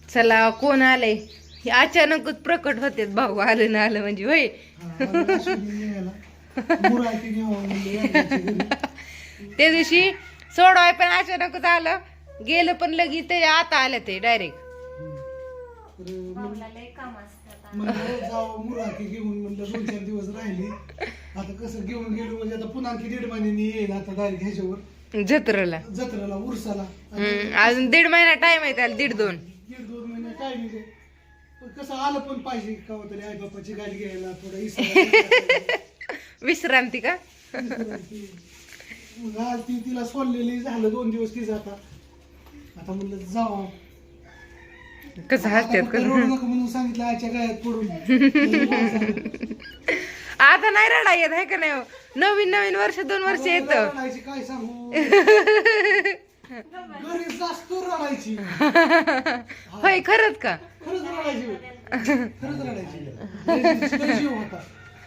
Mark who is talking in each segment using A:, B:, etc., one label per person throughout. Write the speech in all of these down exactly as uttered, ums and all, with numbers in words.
A: चला कोण आलंय हे अचानकच प्रकट होते भाऊ आलं ना आलं म्हणजे होय. त्या दिवशी सोडवाय पण अचानकच आलं गेलं पण लगेच ते आता आलं ते डायरेक्ट.
B: घेऊन म्हणलं दोन चार दिवस राहिली आता कसं घेऊन गेलो म्हणजे आता पुन्हा आणखी दीड महिन्यानी येईल आता डायरेक्ट ह्याच्यावर
A: जत्रेला
B: जत्रेला उरसाला
A: अजून दीड महिना टाइम आहे त्याला दीड दोन
B: दीड दोन महिने टायमिंग आहे. पण कसं आलं पण पाहिजे का तरी आई बापाची गाडी घ्यायला थोडं इसरा
A: विश्रांती का
B: मग आज ती तिला सोडलेली झालं दोन दिवस ती जाता आता म्हणलं जाऊ
A: कसं हसतात कसं
B: म्हणून सांगितलं आजच्या गायात पडून
A: आता नाही रडा येत आहे का नाही हो? नवीन नवीन वर्ष दोन वर्ष येत
B: रडायची काय सांगू घरी जास्त रडायची
A: होय खरंच का
B: खरंच रडायची खरंच रडायची लय जीव होता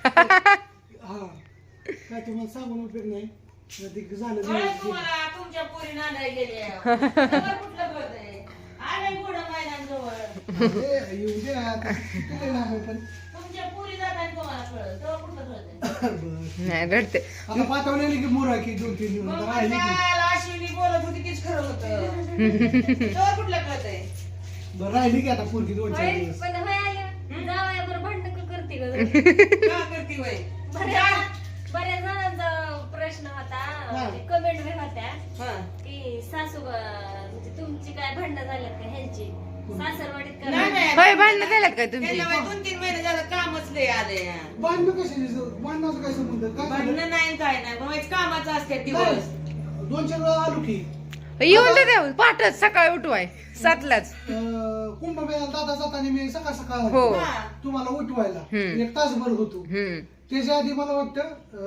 B: हा काय तुम्हाला सांगून उपयोग नाही ते झालं
C: तुमच्या पोरी नांदाय गेले कुठलं कळतंय आले पुढं मैदान जवळ
B: येऊ दे आता किती लांब आहे पण
C: तुमच्या पोरी जाताना तुम्हाला कळलं तेव्हा कुठलं कळतंय
A: नाही रडते
B: आता पाठवलेली की मोरा की दोन तीन दिवस
C: मग
B: राहिली की
C: काय अश्विनी बोलत होती तीच खरं होतं तेव्हा कुठलं कळतंय
B: बरं राहिली की आता पोरगी दोन चार दिवस
D: पण होय आल्या जावया बरं भांडण करते ग
C: का करती वय
D: बऱ्याच बऱ्याच जणांचा प्रश्न होता कमेंट बी होत्या की सासू म्हणजे तुमची काय भांडणं झाल्यात का ह्यांची सासरवाडीत
C: नाही,
D: का
C: नाही.
A: होय भांडणं झाल्यात काय तुमची
C: त्यांना वय दोन तीन महिने झालं कामच लय आलंय
B: भांडणं कशाची भांडणाचं काय संबंध काय झालं?
C: भांडणं नाही काय नाही पण कामाचं असते दिवस
B: नाही. दोन चार वेळा आलो की
A: येऊन दे देऊ पाठच सकाळी उठवाय सातलाच
B: अं, कुंभमेळ्याला दादा जाताना मी सकाळ सकाळ
A: हो
C: हा.
B: तुम्हाला उठवायला
A: हम्म.
B: एक तासभर होतो
A: हम्म
B: त्याच्या आधी मला वाटतं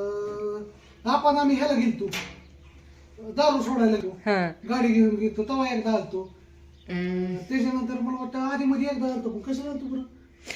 B: अं, आपण आम्ही ह्याला गेलतो दारू सोडायला गेलो
A: हा
B: गाडी घेऊन गेलतो तेव्हा एकदा आलतो
A: हम्म.
B: त्याच्यानंतर मला वाटतं आधी मध्ये एकदा आलतो पण कशाला आलतो बरं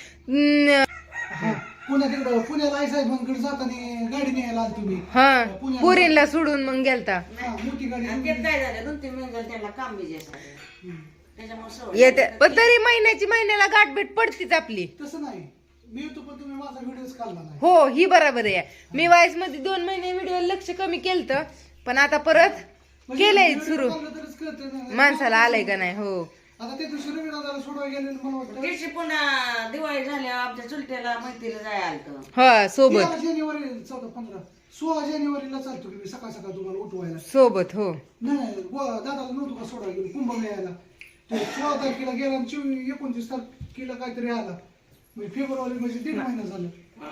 A: न-
B: हा पुण्यात तिकडं पुण्याला आई साहेबांकडे जाताना गाडी न्यायला आलतो मी
A: हा पुरीला सोडून मग गेलता
B: हा, मोठी गाडी
C: आणि ते काय झालं दोन तीन महिने झाले त्यांना काम बिजी असतं त्याच्यामुळे सवय.
A: येते पण तरी महिन्याची महिन्याला गाठभेट पडतीच आपली.
B: तसं नाही मी येतो पण तुम्ही माझा व्हिडिओच काढला नाही
A: हो ही बरोबर आहे. मी वाईस मध्ये दोन महिने व्हिडिओ लक्ष कमी केलत पण आता परत
B: म्हणजे
A: केलंय
B: video
A: सुरू
B: काढलं तरच कळतं ना.
A: माणसाला आलंय का नाही. हो
B: आता ते दुसरं रविवाराला सोडवायला गेलेलं मला वाटतं
C: त्याची पुन्हा दिवाळी झाल्या आमच्या चुलट्याला मैत्रीला जाय आलत
A: हा सोबत
B: तेरा जानेवारी चौदा पंधरा सोळा जानेवारीला चालतो की मी सकाळ सकाळ तुम्हाला उठवायला
A: सोबत हो
B: नाही नाही व- दादाला नव्हतं का सोडायला गेलो कुंभमेळ्याला ते सोळा तारखेला गेला आणि चोवीस एकोणतीस तारखेला काहीतरी आला म्हणजे फेब्रुवारी म्हणजे दीड महिना झाला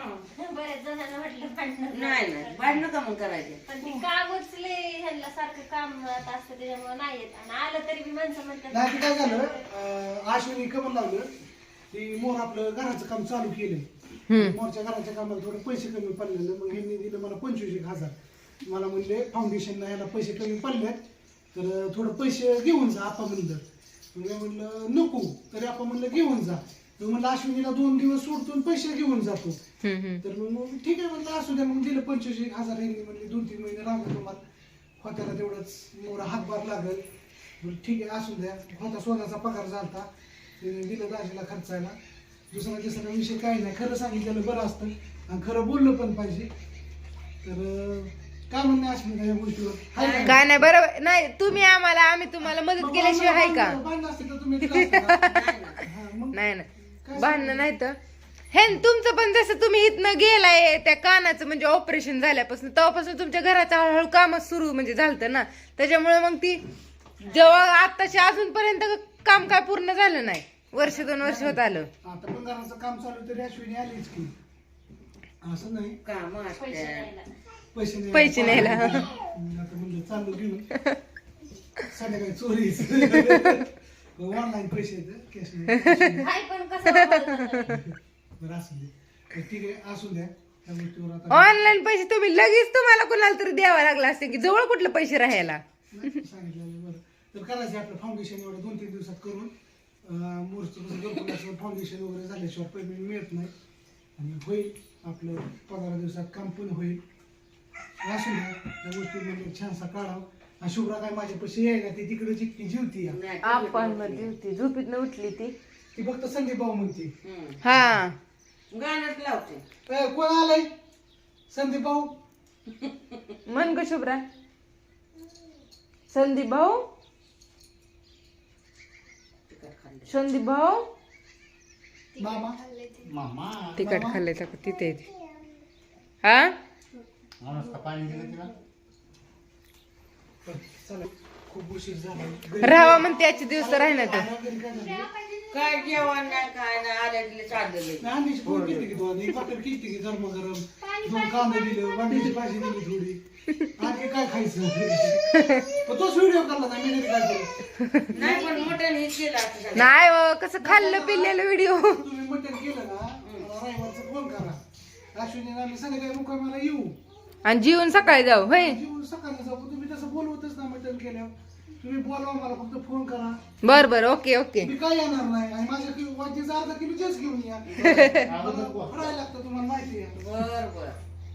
D: बऱ्याच जणांना म्हटलं भांडण
C: नाही नाही भांडणं का मग करायचे
D: पण ती काम उचले ह्यांना सारखं काम असतं त्याच्यामुळे नाही येत आणि आलं तरी बी माणसं म्हणतात
B: नाही ते काय झालं अं, आश्विनी कमल लावलं ती मोर आपलं घराचं काम चालू केलंय मोरच्या घराच्या कामाला थोडे पैसे कमी पडलेलं मग ह्यांनी दिलं मला पंचवीस एक हजार मला म्हणले फाउंडेशनला ह्याला पैसे कमी पडलेत तर थोडं पैसे घेऊन जा आपा म्हणलं मी म्हणलं नको तरी आपण म्हणलं घेऊन जा तर म्हणलं अश्विनीला दोन दिवस सोडतो पैसे घेऊन जातो
A: हम्म, हम्म.
B: तर मग मग ठीक आहे म्हणलं असू द्या मग दिलं पंचवीस एक हजार ह्यांनी म्हणले दोन तीन महिने लागले तुम्हाला होत्याला तेवढंच मोरा हातभार लागेल म्हणलं ठीक आहे असू द्या होता सोन्याचा पगार झालता त्याने दिलं दाजीला खर्चायला दुसरा तिसरा विषय काही नाही खरं सांगितलेलं बरं असतं आणि खरं बोललं पण पाहिजे तर अं, काय म्हणणं अश्विनी या गोष्टीवर हाय का?
A: काय नाही बरोबर नाही तुम्ही आम्हाला आम्ही तुम्हाला मदत
B: मग
A: केल्याशिवाय आहे का.
B: भांडणं- भांडणं असते तर तुम्ही दिलं असतं का? हा, मग
A: नाही
B: काय
A: नाही भांडणं नाही तर हे तुमचं पण जसं तुम्ही इथनं गेलाय त्या कानाचं म्हणजे ऑपरेशन झाल्यापासून तेव्हापासून तुमच्या घराचं हळूहळू कामच सुरू म्हणजे झालं ना त्याच्यामुळे मग ती जेव्हा आत्ताशी अजूनपर्यंत काम काय पूर्ण झालं नाही वर्ष दोन वर्ष होत आलं.
B: आता पण घराचं काम चालू तरी अश्विनी आलीच की असं नाही
C: काम
D: पैसे
C: असते
D: द्यायला
B: पैसे नाही
A: पैसे न्यायला.
B: आता म्हणलं चालू घेऊन संध्याकाळी चोरीच ऑनलाईन पैसे येतं कॅश नाही
D: काय पण कसं वापरतात.
B: बरं असू दे तर ठीक आहे असू द्या त्या गोष्टीवर आता
A: ऑनलाईन पैसे तुम्ही लगेच तुम्हाला कोणाला तरी द्यावा लागला असते की जवळ कुठलं पैसे राहायला.
B: नाही, सांगितलेलं बरं तर करायचं आपलं फाउंडेशन एवढं दोन तीन दिवसात करून मूर्त कसं फाउंडेशन वगैरे झाल्याशिवाय पेमेंट मिळत नाही आणि होईल आपलं पंधरा दिवसात काम पण होईल असू द्या त्या गोष्टीमध्ये छानसा काढावं आणि शुभ्रा काय माझ्यापाशी यायला ती तिकडे जितकी जीवती या.
C: नाही,
A: आपण मध्ये होती झोपीत उठली ती
B: ती फक्त संदीप भाऊ म्हणते.
C: हम्म.
A: हा
C: गाण्यात लावते.
B: ए, कोण आलंय संदीप भाऊ?
A: म्हण ग शुभ्रा. संदीप भाऊ संदीप भाऊ
B: मामा मामा
A: तिखट खाल्ले तर तिथे येते. हा
B: चला खूप उशीर झाला.
A: राहावा म्हणते आजचे दिवस तर राहणार तर
B: घरी काय झालं?
C: काय जेवण नाही काय नाही आले चाललेले.
B: नाही, आम्ही फोन केली की दोन एक भाकर केली की गरम गरम दोन कांदा दिलं वांग्याची भाजी दिली थोडी आणि काय खायचं. पण तोच व्हिडिओ काढला नाही मी घरी काय केलं.
C: नाही पण मटण हे केलं असं झालं.
A: नाही हो, कसं खाल्लं पिल्लेलं व्हिडिओ.
B: तुम्ही मटण केलं ना मला रविवारचा फोन करा. अश्विनी आम्ही संध्याकाळी मुक्कामाला येऊ
A: आणि जीवन सकाळी जाऊ होय.
B: जेवून सकाळी जाऊ. पण तुम्ही तसं बोलवतच ना मटण केल्यावर. तुम्ही बोलवा मला फक्त फोन करा.
A: बर बर ओके ओके.
B: मी काय येणार नाही आणि माझ्या वाटीचा अर्धा किलो जास्त घेऊन या. फरायला लागतं तुम्हाला माहिती आहे.
C: बर बर.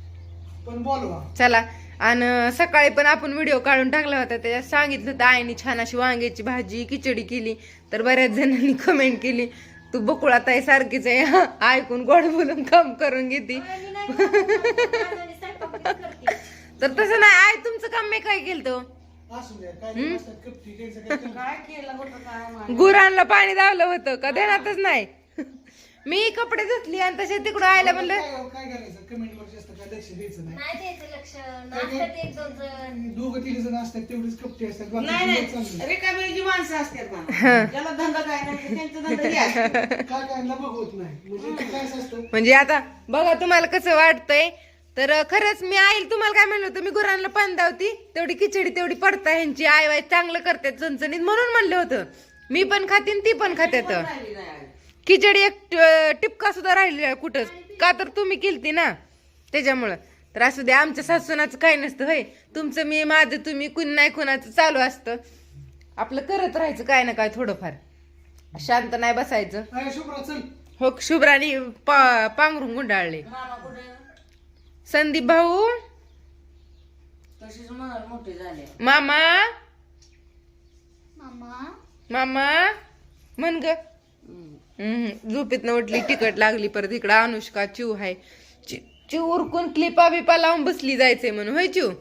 B: पण बोलवा.
A: चला आणि सकाळी पण आपण व्हिडिओ काढून टाकला होता त्याच्यात सांगितलं होतं आईने छान अशी वांग्याची भाजी खिचडी केली तर बऱ्याच जणांनी कमेंट केली तू बकुळात आहे सारखीच आहे ऐकून गोड बोलून काम करून घेते.
D: आणि नाही करत, आणि स्वयंपाक पण करते.
A: तर तसं नाही आई तुमचं काम मी काय केलं तो
B: असू द्या काय नाही असतात कपटी घ्यायचं काय ते.
C: काय केलं होतं काय माहिती.
A: गुरांना पाणी दावलं होतं का देणारच नाही. मी कपडे धुतली आणि तसे तिकडं आयला म्हणलं
B: काय काय करायचं कमेंट वर जास्त काय लक्ष द्यायचं नाही.
D: नाही द्यायचं लक्ष नसतात एक दोन जण.
B: दोघं तिघ जण असतात तेवढीच कपटी असतात. बाकी
C: नाही
B: सगळं चांगलं.
C: नाही रिकामी जी माणसं असतात ना ज्याला धंदा काय नाही त्यांचा धंदा हे असतो.
B: काय काय ना बघवत नाही म्हणजे ते काय असतं.
A: म्हणजे आता बघा तुम्हाला कसं वाटतंय तर खरंच मी आई तुम्हाला काय म्हणलं होतं मी गुरांना पाणी दावती तेवढी खिचडी तेवढी पडता ह्यांची आई वाई चांगलं करतात चणचणीत म्हणून म्हणलं होतं. मी पण खाते ती पण खात्यात.
C: राहिली नाही.
A: खिचडी एक ट- टिपका सुद्धा राहिली नाही कुठंच का तर तुम्ही केलती ना त्याच्यामुळं. तर असू द्या आमच्या सासूनाचं काही नसतं होय. तुमचं मी माझं तुम्ही कुण नाही कुणाचं चालू असतं. आपलं करत राहायचं काय ना काय थोडंफार शांत नाही बसायचं.
B: अरे शुभ्रा चल.
A: हो शुभ्रानी पा पांघरून गुंडाळले.
C: मामा कुठे
A: संदीप भाऊ
C: तशीच म्हणाल मोठे झाले.
A: मामा
D: मामा
A: मामा म्हण ग. झोपेत न उठली तिकट लागली परत इकडं अनुष्का चिव हाय चि- चिव उरकून क्लिपा बिपा लावून बसली जायचंय म्हणून होय चिव.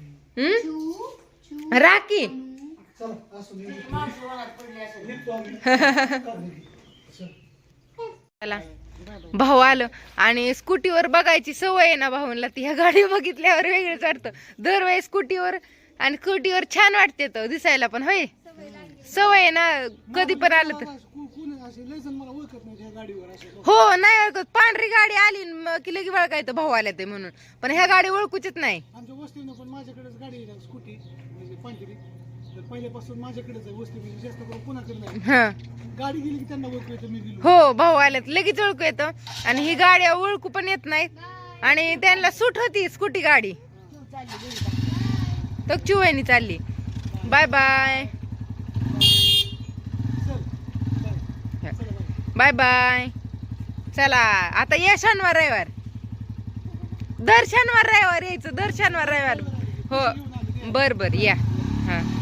A: हम्म राखी
B: चला असू दे.
C: माणसं मनात पडली असेल.
B: निघतो आम्ही. चल.
A: चला भाऊ आलं आणि स्कूटीवर बघायची सवय आहे ना भाऊला ती ह्या गाडी बघितल्यावर वेगळंच वाटतं दरवेळी स्कूटीवर. आणि स्कूटीवर छान वाटते तो दिसायला पण होय सवय आहे ना कधी पण आलं तर.
B: को- कोण असे लय जण मला ओळखत नाही ह्या गाडीवर असे.
A: हो नाही ओळखत पांढरी गाडी आली न की लगी वळखायचं भाऊ आल्या ते म्हणून पण ह्या गाडी ओळखूच नाही.
B: आमच्या वस्तीनं पण माझ्याकडेच गाडी आहे स्कूटी म्हणजे पांढरी. तर पहिल्यापासून माझ्याकडेच आहे वस्ती म्हणजे जास्त करून कोणाकडे नाही.
A: हा
B: गाडी गेली की त्यांना ओळखू येतं मी गेलो.
A: हो भाऊ आल्यात लगेच ओळखू येतं आणि ही गाडी ओळखू पण येत नाहीत आणि त्यांना सूट होती स्कूटी गाडी. तर चिवणी चालली. बाय बाय
B: चल बाय. चला बाय.
A: Bye bye. चला आता या शनिवार रविवार दर शनिवार रविवार यायचं दर शनिवार रविवार हो बर बर या हा.